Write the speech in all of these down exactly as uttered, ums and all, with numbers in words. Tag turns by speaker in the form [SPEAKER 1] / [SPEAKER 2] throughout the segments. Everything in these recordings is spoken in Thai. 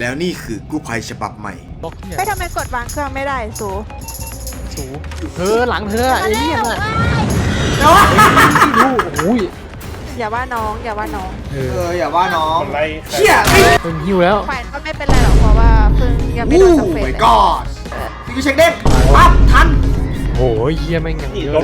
[SPEAKER 1] แล้วนี่คือกู้ภัยฉบับใหม่
[SPEAKER 2] ไม่ทำไมกดวางเครื่องไม่ได้สู
[SPEAKER 3] สูเธอหลังเธอไอ้เนี่ยน่ะดูโอ้ย
[SPEAKER 2] อย่าว่าน้องอย่าว่าน้อง
[SPEAKER 1] เอออย่าว่าน้อง
[SPEAKER 4] เชี่ย
[SPEAKER 3] เพิ่งหิวแล้ว
[SPEAKER 2] ฝ่ายก็ไม่เป็นไรหรอกเพราะว่าเพิ่งยังไม่โดนสเปรย์เลย
[SPEAKER 1] ก็ฟิกเช็คเด้งปั๊บทัน
[SPEAKER 3] โอ้ยเยี่ยมแม่งอย่างเยอะ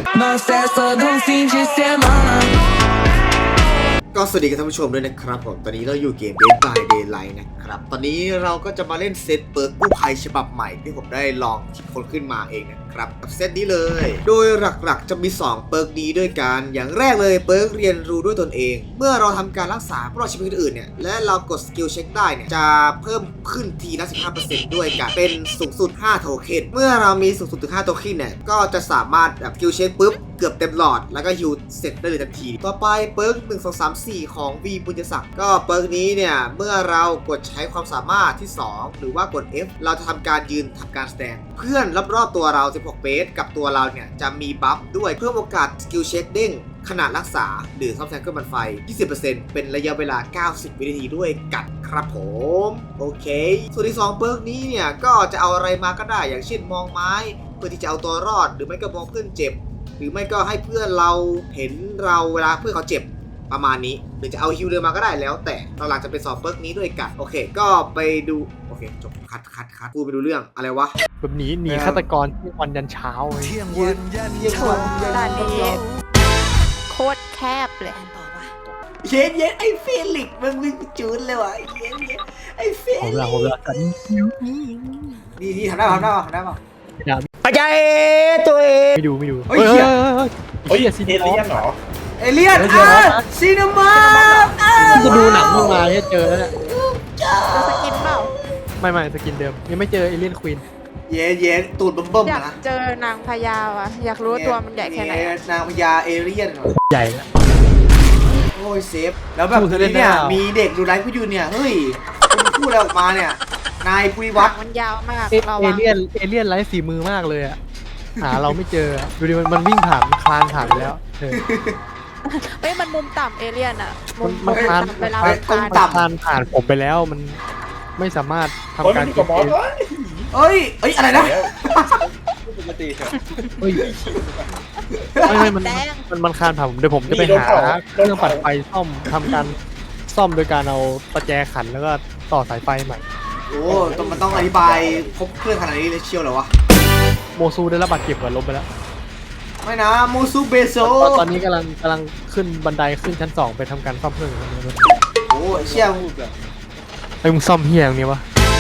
[SPEAKER 1] ก็สวัสดีกับท่านผู้ชมด้วยนะครับผมตอนนี้เราอยู่เกม Dead by Daylight นะครับตอนนี้เราก็จะมาเล่นเซตเปิร์กกู้ภัยฉบับใหม่ที่ผมได้ลองคิดค้นขึ้นมาเองนะครับกับเซตนี้เลยโดยหลักๆจะมีสองเปิร์กนี้ด้วยกันอย่างแรกเลยเปิร์กเรียนรู้ด้วยตนเองเมื่อเราทำการรักษาผู้รอดชีวิตคนอื่นเนี่ยและเรากดสกิลเช็คได้เนี่ยจะเพิ่มขึ้นทีละ สิบห้าเปอร์เซ็นต์ ด้วยกันเป็นสูงสุดห้าโทเค็นเมื่อเรามีสูงสุดถึงห้าโทเค็นเนี่ยก็จะสามารถแบบสกิลเช็คปุ๊บเกือบเต็มหลอดแล้วก็ฮิวเสร็จได้เลยทันทีต่อไปเปิร์กหนึ่ง สอง สาม สี่ของ V บุญยศักดิ์ก็เปิร์กนี้เนี่ยเมื่อเรากดใช้ความสามารถที่สองหรือว่ากด F เราจะทำการยืนทำการแสดงเพื่อนรอบๆตัวเราสิบหกเมตรกับตัวเราเนี่ยจะมีบัฟด้วยเพิ่มโอกาสสกิลเช็คเด้งขณะรักษาหรือซ่อมแซมเครื่องปั่นไฟ ยี่สิบเปอร์เซ็นต์ เป็นระยะเวลาเก้าสิบวินาทีด้วยกันครับผมโอเคส่วนที่สองเปิร์กนี้เนี่ยก็จะเอาอะไรมาก็ได้อย่างเช่นมองไม้เพื่อที่จะเอาตัวรอดหรือไม่ก็มองเพื่อนเจ็บหรือไม่ก็ให้เพื่อนเราเห็นเราเวลาเพื่อนเขาเจ็บประมาณนี้หรือจะเอาฮิวเดินมาก็ได้แล้วแต่เราหลังจะไปสอบเปิร์กนี้ด้วยกันโอเคก็ไปดูโอเคจบคัดคัดคัดพูดไปดูเรื่องอะไรวะ
[SPEAKER 3] แบบหนีหนีฆาตกรที่วันยันเช้า
[SPEAKER 1] เที่ยงวันยันเที่ยงวัน
[SPEAKER 2] ด่านนี้โคตรแคบเลย
[SPEAKER 1] เย็นเย็นไอ้เฟลิกมึงมึงจูนเลยวะไอ้เย็นเย็นไอ้เฟลิก
[SPEAKER 3] ผมละผมละกัน
[SPEAKER 1] นี่นี่ทำได้ป่ะทำได้ป่ะทำได้ป่ะ
[SPEAKER 3] ปัจจัยตัวเองไม่ดูไม่ดู
[SPEAKER 1] เฮ้ยเฮ้ย
[SPEAKER 4] เฮ้ยเอเลี่ยนเหรอ
[SPEAKER 1] เอเลี่ยนอ่ะซีนีมา
[SPEAKER 3] จะดูหนังลงมาเนี่ยเจอแล้วเนี่ย
[SPEAKER 2] สกินเปล่า
[SPEAKER 3] ไม่ไม่สกินเดิมยังไม่เจอเอเลี่ยนควีน
[SPEAKER 1] เย็นเย็นตูดเบิ่มๆ
[SPEAKER 2] นะอยากเจอนางพญาว่ะอยากรู้ตัวมันใหญ่แค่ไหน
[SPEAKER 1] นางพญาเอเลี่ยน
[SPEAKER 3] ใหญ่แล้ว
[SPEAKER 1] โอ้ยเซฟแล้วแบบนี้เนี่ยมีเด็กดูไลฟ์กูอยู่เนี่ยเฮ้ยคุณพูดอะไรออกมาเนี่ยนายปุริวัฒน์
[SPEAKER 2] มันยาวมาก
[SPEAKER 3] เอเลี่ยนเอเลี่ยนไร้ฝีมือมากเลยอะหาเราไม่เจอดูดิมันมันวิ่งผ่านคลานผ่านไปแล้ว
[SPEAKER 2] เฮ้ยมันมุมต่ำเอเลี่ยนอะมุม
[SPEAKER 3] มันคลาน
[SPEAKER 2] เวลา
[SPEAKER 1] คลานต่ำ
[SPEAKER 3] คลานผ่านผมไปแล้วมันไม่สามารถทำการ
[SPEAKER 4] กิน
[SPEAKER 1] เอ้ยเอ้ยอะไรนะ
[SPEAKER 4] ปกติครับ
[SPEAKER 3] เฮ้ยไม่ไม่มันมันมันคลานผ่านผมเดี๋ยวผมจะไปหาเครื่องปัดไฟซ่อมทำการซ่อมโดยการเอาประแจขันแล้วก็ต่อสายไฟใหม่
[SPEAKER 1] โอ้ต้องมันต้องอธิบายครบเครื่องขนาดนี้เลยเชียวเหรอวะ
[SPEAKER 3] โมซูได้รับบาดเจ็บก่อนล้มไปแล้ว
[SPEAKER 1] ไม่นะโมซูเบโซ
[SPEAKER 3] ตอนนี้กำลังกำลังขึ้นบันไดขึ้นชั้นสองไปทำการซ่อมเครื่อง
[SPEAKER 1] โอ้เชี่ยมึงแบบ
[SPEAKER 3] ไอ้มึงซ่อมเฮียอย่างนี้วะ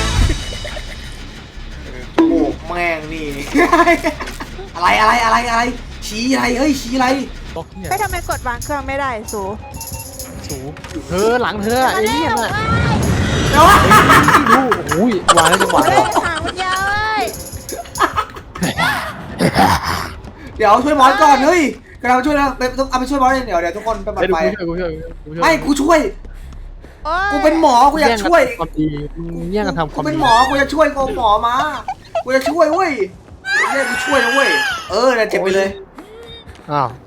[SPEAKER 1] โอ้แม่งนี่อะไรอะไรอะไรอะไรชี้อะไรเฮ้ยชี้อะไร
[SPEAKER 2] ไม่ทำไมกดวางเครื่องไม่ได้สู
[SPEAKER 3] สูเธอหลังเธอไอ้เนี่ยน่ะดูโอ้ยวางได้จังหวะเลย
[SPEAKER 2] หางมันยาวเลย
[SPEAKER 1] เดี๋ยวช่วยมอสก่อนเฮ้ยกำลังช่วยนะไปเอาไปช่วยมอสเดี๋ยวเดี๋ยวทุกคนไปปัดไฟไม่กูช่วยกูเป็นหมอกูอยากช่วย
[SPEAKER 3] ความดีเนี่ยกันทำความ
[SPEAKER 1] กูเป็นหมอกูจะช่วยกูหมอมากูจะช่วยเว้ยเนี่ยกูช่วยนะเว้ยเออเนี่ยเจ็บไปเลย
[SPEAKER 3] อ้าว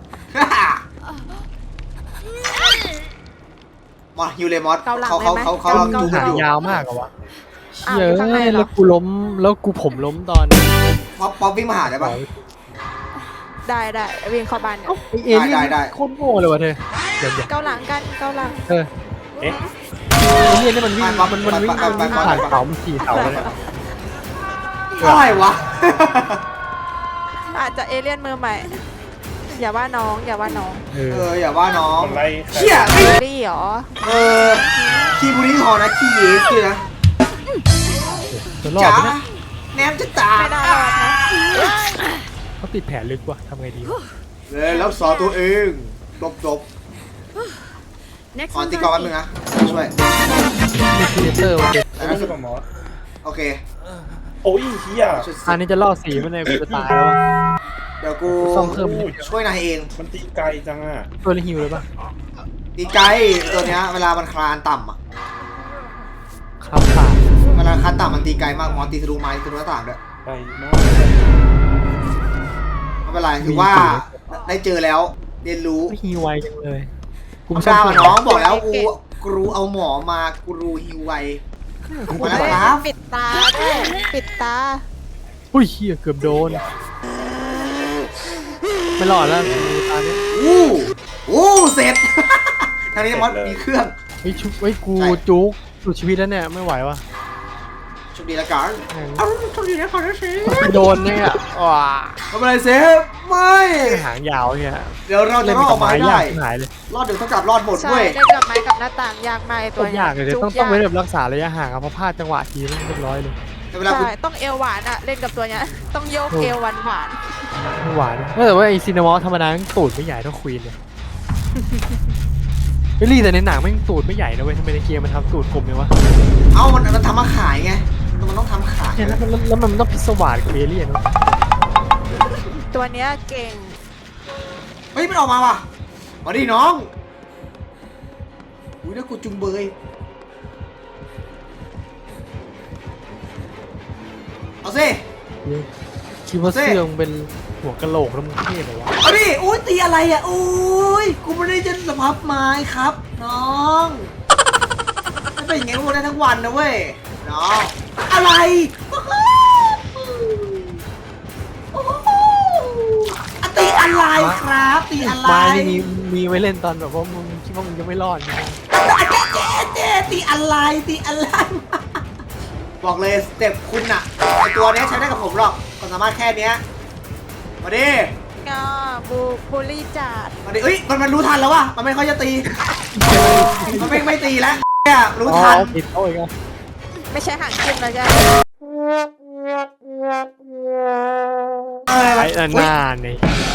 [SPEAKER 1] มอสฮิวเลยมอสเขาเขาเขาเขาเราดูกันอยู่
[SPEAKER 3] ยาวมากอะวะเยอะแล้วกูล้มแล้วกูผมล้มตอน
[SPEAKER 1] ป๊อปป๊อปวิ่งมาหาได้ป่ะ
[SPEAKER 2] ได้ได้วิ่งเข้าบ้านเนี่ย
[SPEAKER 1] ได้ได้
[SPEAKER 3] โคตรโง่เลยวะเธอ
[SPEAKER 2] เกาหลังกันเกาหลัง
[SPEAKER 3] เออเอ๊ะเนี่ยนี่มันวิ่งมันมันวิ่งผ่านเขามันขี่เขาเลย
[SPEAKER 1] อะไรวะ
[SPEAKER 2] อาจจะเอเลี่ยนมือใหม่อย่าว่าน้องอย่าว่าน้อง
[SPEAKER 1] เอออย่าว่าน้อง
[SPEAKER 4] เชี่
[SPEAKER 1] ย
[SPEAKER 2] ไม่ดีหรอ
[SPEAKER 1] เออขี้บุรีหอนะขี้เยสเลยนะ
[SPEAKER 3] จ๋า
[SPEAKER 1] แนมจะตาย
[SPEAKER 2] ไม่ได้หรอกนะ
[SPEAKER 3] เขาติดแผลลึกว่ะทำไงดี
[SPEAKER 1] เลยรักษาตัวเองจบจบขอตีกอล์ฟแป๊บนึงนะช่วย
[SPEAKER 3] มีเตอร์โอเค
[SPEAKER 1] โอเค
[SPEAKER 4] โอ้ยเฮีย
[SPEAKER 3] อันนี้จะล่อสีมันเลยกูจะตายแล้ว
[SPEAKER 1] เดี๋ยวกูช่วยนายเอง
[SPEAKER 4] มันตีไกลจังอ่ะ
[SPEAKER 3] ตัวนี้หิวเลยป่ะ
[SPEAKER 1] ตีไกลตัวเนี้ยเวลามันคลานต่ำอ่ะ
[SPEAKER 3] ครับค่ะ
[SPEAKER 1] เวลาคลานต่ำมันตีไกลมากมอตีทะลุไม้ทะลุหน้าต่างด้วย
[SPEAKER 4] ไกลมาก
[SPEAKER 1] ไม่เป็นไรถือว่าได้เจอแล้วเรียนรู้
[SPEAKER 3] ฮิวไวจังเลย
[SPEAKER 1] กูไม่ทราบน้องบอกแล้วกูกูรู้เอาหมอมากูรู้ฮิวไวมาแล้วครับ
[SPEAKER 2] ปิดตาด้วยปิดตา
[SPEAKER 3] อุ้ยเฮียเกือบโดน ไม่รอดแล้วตาเนี้ย
[SPEAKER 1] อู้อู้เสร็จ ทางนี้มอสมีเครื่อง
[SPEAKER 3] ไอ้ชุบไอ้กู
[SPEAKER 1] ใช่
[SPEAKER 3] จุกสุดชีวิตแล้วเนี่ยไม่ไหววะ
[SPEAKER 1] โชคดีละกัน
[SPEAKER 3] แม่ง
[SPEAKER 1] เอาโชคดีนะขอโทษสิ
[SPEAKER 3] โดนเนี่ยว้า
[SPEAKER 1] ไม่เป็นไรเซฟไม่
[SPEAKER 3] หางยาวเนี่ย
[SPEAKER 1] เดี๋ยวเราจะ
[SPEAKER 3] เล่น
[SPEAKER 1] รอดอ
[SPEAKER 3] กั
[SPEAKER 1] อบ ก
[SPEAKER 3] ไม้
[SPEAKER 1] มาให้
[SPEAKER 3] ยา
[SPEAKER 1] ได้
[SPEAKER 3] กหายเลย
[SPEAKER 1] รอดเดี๋ยวเท่ากับรอดหมด
[SPEAKER 2] ใช่
[SPEAKER 1] เว้ย
[SPEAKER 2] เล่นกับไม้กับหน้าต่างยากมากไอ้
[SPEAKER 3] โค
[SPEAKER 2] ตัว
[SPEAKER 3] ตร
[SPEAKER 2] เนี้
[SPEAKER 3] ยากเลย
[SPEAKER 2] จุ
[SPEAKER 3] ต้องต้อง
[SPEAKER 2] ยาก
[SPEAKER 3] ไว้แบบรักษาระยะห่างอะเพราะพลาดจังหวะทีมันเรียบร้อยเลย
[SPEAKER 1] แต่เวลาคุณ
[SPEAKER 2] ใช่ต้องเอวหวานอะเล่นกับตัวเนี้ยต้องโยกเอวหวานหวาน
[SPEAKER 3] ไม่หวานแต่ว่าไอซีนามอสธรรมดามันตูดไม่ใหญ่เท่าควีนเลยเฮ้ยแต่ในหนังไม่งตูดไม่ใหญ่นะเว้ยทำไมในเกมมันทำตูดกลมเลยวะ
[SPEAKER 1] เอามันมันทำมาขายไงมันต้องทำขาย
[SPEAKER 3] เนี่ยแล้วมันแล้วมันต้องพิศวาสกับเอเลี่ยนวะ
[SPEAKER 2] ๆตัวเนี้ยเก่ง
[SPEAKER 1] เฮ้ยมันออกมาว่ะมาดิน้องอุ้ยน่ากูจุงเบยเอาสิ
[SPEAKER 3] คิดว่าเสื้อมึงเป็นหัวกะโหลกแล้วมึงเท่เหรอวะ
[SPEAKER 1] เอาดิอุ้ยตีอะไรอ่ะอุ้ยกูไม่ได้จะสภาพไม้ครับน้องไม่เป็นอย่างงี้กูได้ทั้งวันนะเว้ยน้องอะไรโอ้โหอ่ะตีอะไรครับตีอะไร
[SPEAKER 3] ไม้ที่มีมีไว้เล่นตอนแบบว่ามึงคิดว่ามึงจะไม่รอดนะ
[SPEAKER 1] เจ๊เจ๊ตีอะไรตีอะไร บอกเลยสเต็ปคุณอะไอตัวเนี้ยใช้ได้กับผมหรอกความสามารถแค่เนี้ยมาดิ
[SPEAKER 2] ก็บูบูลลี่จัด
[SPEAKER 1] มาดิเอ้ยมันมันรู้ทันแล้วว่ะมันไม่ค่อยจะตี มันไม่ไม่ตีแล้วเนี่ยรู้ทัน
[SPEAKER 3] อ๋อผิดเขาอีกอ่ะ
[SPEAKER 2] ไม่ใช่ห่างขึ้นแล้วจ้ะ
[SPEAKER 1] เออ
[SPEAKER 3] ไอ้อันหน้านี่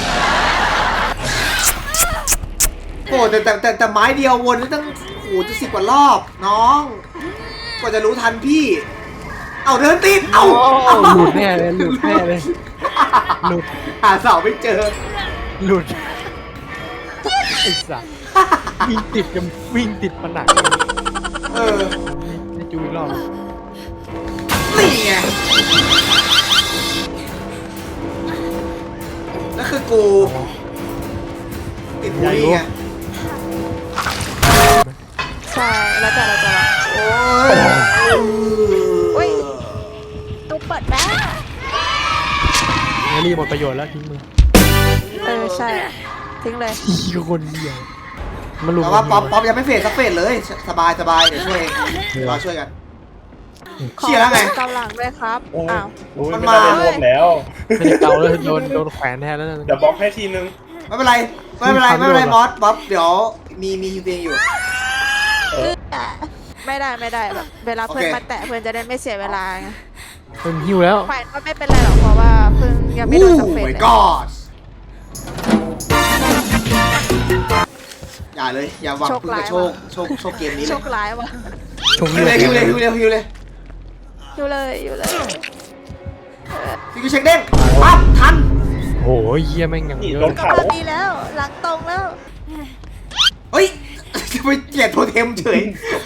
[SPEAKER 1] โอ้แต่แต่แต่แต่ไม้เดียววนนี่ตั้งโอ้จะสิบกว่ารอบน้องกว่าจะรู้ทันพี่ เอาเดินติดเอา
[SPEAKER 3] หลุดแน่เลยหลุดแน่เลยหลุด
[SPEAKER 1] หาเสาไม่เจอ
[SPEAKER 3] หลุดไอ้สัสวิ่งติดกันวิ่งติดผนัง
[SPEAKER 1] เออ
[SPEAKER 3] ให้จูอีกรอบ
[SPEAKER 1] นี่ไงแล้วคือกูติดบุหรี่ไง
[SPEAKER 2] ใช่แล้วแต่เราจะละ
[SPEAKER 1] โอ้
[SPEAKER 2] อุ๊
[SPEAKER 1] ย
[SPEAKER 2] ย ตู้เปิดได้
[SPEAKER 3] เฮลี่หมดประโยชน์แล้วทิ้งมือ
[SPEAKER 2] เออใช่ทิ้งเลย
[SPEAKER 3] อีกคนเดียวมันลุม
[SPEAKER 1] แต่ว่าป๊อปป๊อปยังไม่เฟดสักเฟดเลย สบายสบายเดี๋ยวช่วยเองรอช่วยกัน
[SPEAKER 2] ขอ
[SPEAKER 1] เชี่ยแล้วไง
[SPEAKER 2] กำลังด้วยครับ
[SPEAKER 4] โอ้ย
[SPEAKER 2] อ้าว
[SPEAKER 4] โอ้ย
[SPEAKER 1] มัน
[SPEAKER 4] ไม่
[SPEAKER 1] มา
[SPEAKER 4] ได้รวมแล้ว
[SPEAKER 3] ไม่ได้เกาแล้วโดนโดนแขวนแทนแล้วนั่น
[SPEAKER 4] เดี๋ยวบล็อกให้ทีนึง
[SPEAKER 1] ไม่เป็นไรไม่เป็นไรไม่เป็นไร
[SPEAKER 3] ไม่
[SPEAKER 1] มอสป๊อปเดี๋ยวมีมีฮิวเตียงอยู่
[SPEAKER 2] ไม่ได้ไม่ได้แบบเวลาเพื่อน
[SPEAKER 1] โอเค
[SPEAKER 2] มาแตะเพื่อนจะได้ไม่เสียเวลาไง
[SPEAKER 3] เป็นหิวแล้ว
[SPEAKER 2] ฝ่ายก็ไม่เป็นไรหรอกเพราะว่าเพิ่งยังไม่โดนสักเฟส
[SPEAKER 1] โอ้ my
[SPEAKER 2] เลย
[SPEAKER 1] god อย่าเลยอย่าหวังพึ่งกับโชคโชคโชคเกมนี้เล
[SPEAKER 2] โช
[SPEAKER 1] ย
[SPEAKER 2] คร้ายว่ะ
[SPEAKER 3] ชง
[SPEAKER 1] ฮิวเลยฮิวเลยฮิวเลยฮิวเลย
[SPEAKER 2] อยู่เลยอยู่เลย
[SPEAKER 1] ฟิวเช็คเด้งปั๊บทัน
[SPEAKER 3] โหเยี่ยแม่งอย่าง
[SPEAKER 4] นี่
[SPEAKER 3] เย
[SPEAKER 4] โด
[SPEAKER 3] อะ
[SPEAKER 4] น
[SPEAKER 2] กำ
[SPEAKER 4] เขา
[SPEAKER 2] ลังดีแล้ว หลังตรงแล้ว
[SPEAKER 1] เฮ้ย จะไปเกลียดโทเทมเฉย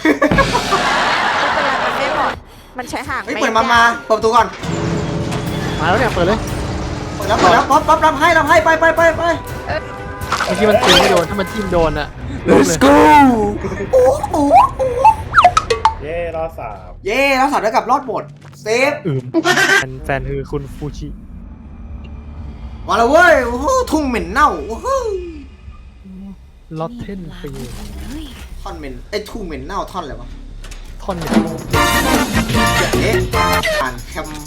[SPEAKER 2] ไม่เป็นไรมันไม่หมดมันใช้ห่าง
[SPEAKER 1] เฮ้ย
[SPEAKER 2] ไม่
[SPEAKER 1] เปิดมามาเปิดประตูก่อน
[SPEAKER 3] มาแล้วเนี่ยเปิดเลย
[SPEAKER 1] เปิดแล้วเปิดแล้วป๊อปป๊อปรับให้รับให้ไปไปไปไป
[SPEAKER 3] เมื่อกี้มันตีไม่โดนถ้ามันจิ้มโดนอะล้มเลย
[SPEAKER 1] go โอ้โห
[SPEAKER 4] เย่รอดสาม
[SPEAKER 1] เย่แล้วสัตว์ได้กับรอดหมดเซฟ
[SPEAKER 3] อืมแฟนแฟนคือคุณฟูชิ
[SPEAKER 1] มาแล้วเว้ยโอ้โหทุ่งเหม็นเน่าโอ้โห
[SPEAKER 3] ลอตเทนปี
[SPEAKER 1] ท่อนเหม็นไอ้ทุ่งเหม็นเน่าท่อนอะไรวะ
[SPEAKER 3] ท่อนเนี่ย
[SPEAKER 1] เอ๊ะอ่านแคม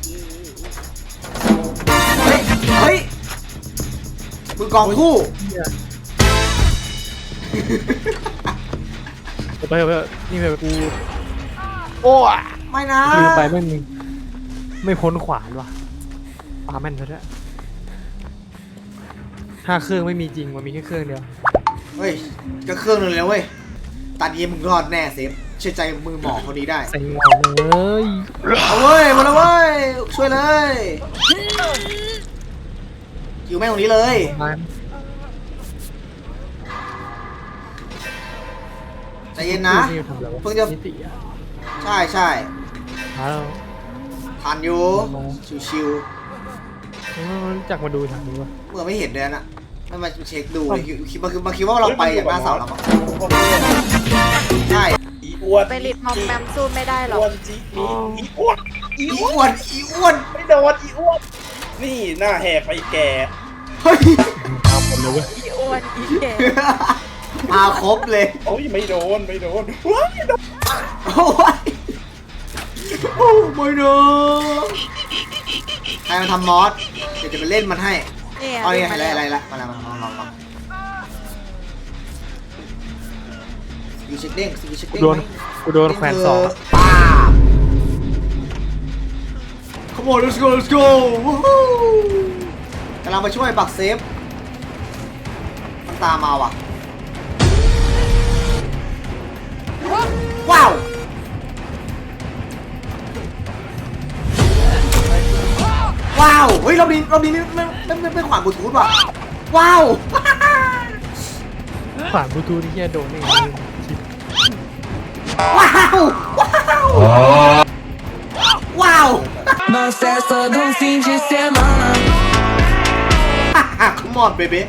[SPEAKER 1] เฮ้ยเฮ้ยมือกองคู่
[SPEAKER 3] ไปไปนี่ไปกูโอ้ย
[SPEAKER 1] ไม่นะ
[SPEAKER 3] ลืมไปไม่มีไม่พ้นขวานว่ะปาแม่นซะด้วยห้าเครื่องไม่มีจริงมันมีแค่เครื่องเดียว
[SPEAKER 1] เฮ้ยก็เครื่องนึงแล้วเว้ยตอนนี้มึงรอดแน่เซฟเชื่อใจมือหมอคนนี้ได้
[SPEAKER 3] เซ็งว่ะเลย
[SPEAKER 1] เอาเว้ยมาแล้วเว้ยช่วยเลยอยู่แม่งตรงนี้เลย
[SPEAKER 3] มัน
[SPEAKER 1] ใจเย็นนะ
[SPEAKER 3] นี่ทำอะไรวะ
[SPEAKER 1] เพิ่งจะ
[SPEAKER 3] นิติอ่ะ
[SPEAKER 1] ใช่ใช่
[SPEAKER 3] หาเรา
[SPEAKER 1] ทันอยู่ชิว
[SPEAKER 3] มันรู้จักมาดูทางนี้วะ
[SPEAKER 1] ๆเมื่อไม่เห็นเลยนะไม่มาเช็คดูเลยคิดมาคือมาคิดว่าเราไปจากหน้าเสาแล้วมั้งใช่
[SPEAKER 4] อีอ้วน
[SPEAKER 2] ไปริดมอมแมมสู้ไม่ได้หรอก
[SPEAKER 4] อ้วนจีมีอีอ้วนอี
[SPEAKER 1] อี
[SPEAKER 4] อ้
[SPEAKER 1] อ้
[SPEAKER 4] วน
[SPEAKER 1] วนอีอ้วน
[SPEAKER 4] ไม่โดนอีอ้วนนี่หน้าแหกไปแก
[SPEAKER 1] เฮ้ย
[SPEAKER 3] ตามหมดเลยเว้ย
[SPEAKER 2] อีอ้วนอีแก่
[SPEAKER 1] มาครบเลย
[SPEAKER 4] โอ้ยไม่โดนไม่โดนว้ายโดน
[SPEAKER 1] โอ้ยโอ้ไม่เนอะใครมาทำมอสเดี๋ยวจะไปเล่นมันให้
[SPEAKER 2] เนี่ย
[SPEAKER 1] เอาเนี่ย
[SPEAKER 2] มา
[SPEAKER 1] อะไร
[SPEAKER 2] แล้ว
[SPEAKER 1] อะไรละมาแล้วมาลองลองลองสกิลเช็คเด้งสกิลเช็ค
[SPEAKER 3] กู
[SPEAKER 1] เด้ง
[SPEAKER 3] โดนกูโดนแขวนสอง
[SPEAKER 1] ป้าบ Come on let's go let's go วู้ฮู้กำลังมาช่วยปักเซฟมันตามมาว่ะว้าวว้าวเฮ้ยรอบนี้รอบนี้ไม่ไม่ไม่ไม่ไม่ขวานบลูทูธว่ะว้าว
[SPEAKER 3] ขวานบลูทูธที่เฮียโดนนี่ชิบ
[SPEAKER 1] ว้าวว้าวว้าว
[SPEAKER 5] Uma festa do fim de semana.
[SPEAKER 1] Come on baby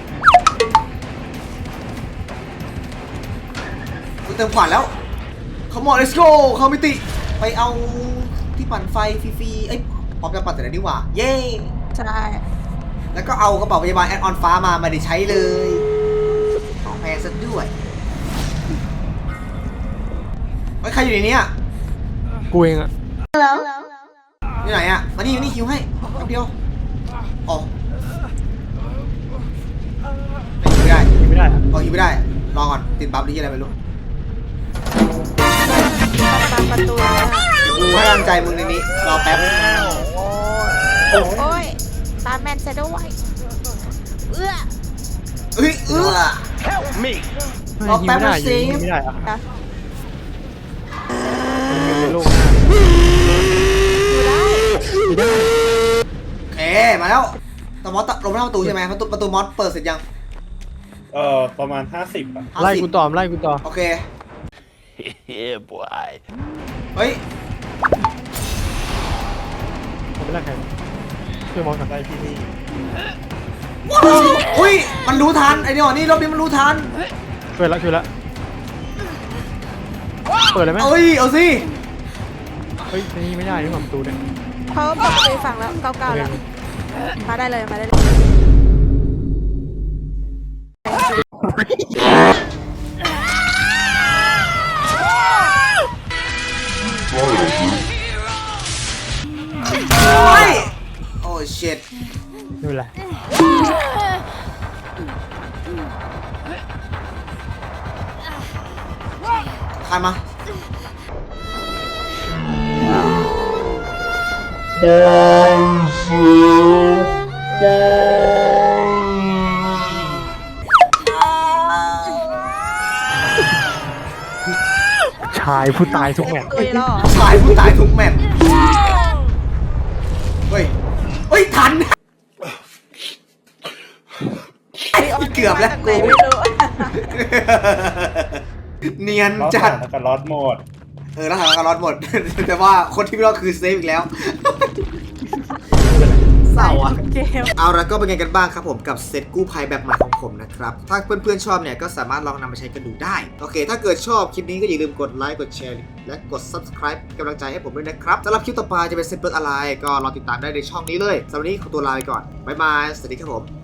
[SPEAKER 1] กูเติมขวานแล้ว Come on let's go เข้ามิติไปเอาที่ปั่นไฟฟรีๆเอ้ยพร้อมจะปั่นแต่ไหนดีกว่าเย้
[SPEAKER 2] ใช่
[SPEAKER 1] แล้วก็เอากระเป๋าพยาบาลแอดออนฟ้ามาไม่ได้ใช้เลยของแพงซะด้วยเฮ้ยใครอยู่ในนี้อ่ะ
[SPEAKER 3] กูเองอะ
[SPEAKER 1] อยู่ไหนอ่ะมานี่มานี่คิวให้แป๊บเดียวอ๋อไม่ได้
[SPEAKER 3] ยิงไม่ได้อะ
[SPEAKER 1] อ๋อคิวไม่ได้รอก่อนติดบัฟหรืออะไรไม่รู้
[SPEAKER 2] ตามประตูแล้ว
[SPEAKER 1] กูให้กำลังใจมึงในนี้รอแป๊บ
[SPEAKER 2] โอ้ยตามแมนจะด้วยเอื้อ
[SPEAKER 1] เอ้ยเอื้อ รอ
[SPEAKER 3] ยิง
[SPEAKER 1] แป๊บ
[SPEAKER 3] ไม่ได้
[SPEAKER 1] นะ
[SPEAKER 3] ยิง
[SPEAKER 1] เซฟ
[SPEAKER 3] ไม่ได้อะ
[SPEAKER 2] นะ
[SPEAKER 3] ยิงในโลกหน้า
[SPEAKER 2] ดูได้
[SPEAKER 3] ไม่ได้
[SPEAKER 1] โอเคมาแล้วแต่มอสลงไม่ได้ประตูใช่ไหมประตูประตูมอสเปิดเสร็จยัง
[SPEAKER 4] เอ่อประมาณห้าสิบอ่ะ
[SPEAKER 1] ห้า
[SPEAKER 3] ไล่
[SPEAKER 1] สิบ
[SPEAKER 3] กูต่อไล่กูต่อ
[SPEAKER 1] โอเค
[SPEAKER 6] Yeah, boy.
[SPEAKER 1] เฮ้ย
[SPEAKER 3] ผมไม่ไล่ใครช่วยมองกัน
[SPEAKER 4] ได้ที่นี่
[SPEAKER 1] อุ้ยมันรู้ทันไอ้เนี่ยนี่รอบนี้มันรู้ทัน
[SPEAKER 3] ช่วยละช่วยละเปิดเลยไหม
[SPEAKER 1] เอ้ยเอาสิ
[SPEAKER 3] เฮ้ยนี่ไม่ได้นี่หว่าประตูเนี่ย
[SPEAKER 2] เขาเปิดประตูฝั่งแล้วเก้าเก้าแล้วมาได้เลยมาได้เลย
[SPEAKER 1] โอ้ยโอ้เชิต
[SPEAKER 3] ไม่เป็นไร
[SPEAKER 1] ใครมา
[SPEAKER 3] ชายผู้ตายทุกแมตช์
[SPEAKER 2] ตุยแล้วเหรอ
[SPEAKER 1] ชายผู้ตายทุกแมตช์เฮ้ยเฮ้ยทันเกือบแล้ว
[SPEAKER 2] ไหนไม่รู้
[SPEAKER 1] เนียน
[SPEAKER 4] รอด
[SPEAKER 1] จัด
[SPEAKER 4] แล้วก็รอดหมด
[SPEAKER 1] เออแล้วหาการรอดหมด แต่ว่าคนที่ไม่รอดคือเซฟอีกแล้ว เศร้าอ่ะ
[SPEAKER 2] เกม
[SPEAKER 1] เอาละก็เป็นไงกันบ้างครับผมกับเซตกู้ภัยแบบใหม่ของผมนะครับ ถ้าเพื่อนๆชอบเนี่ยก็สามารถลองนำมาใช้กันดูได้ โอเค ถ้าเกิดชอบคลิปนี้ก็อย่าลืมกดไลค์กดแชร์และกด ซับสไครบ์ เป็นกำลังใจให้ผมด้วยนะครับสำหรับคลิปต่อไปจะเป็นเซตเปิดอะไรก็รอติดตามได้ในช่องนี้เลยสำหรับวันนี้ขอตัวลาไปก่อนบ๊ายบายสวัสดีครับผม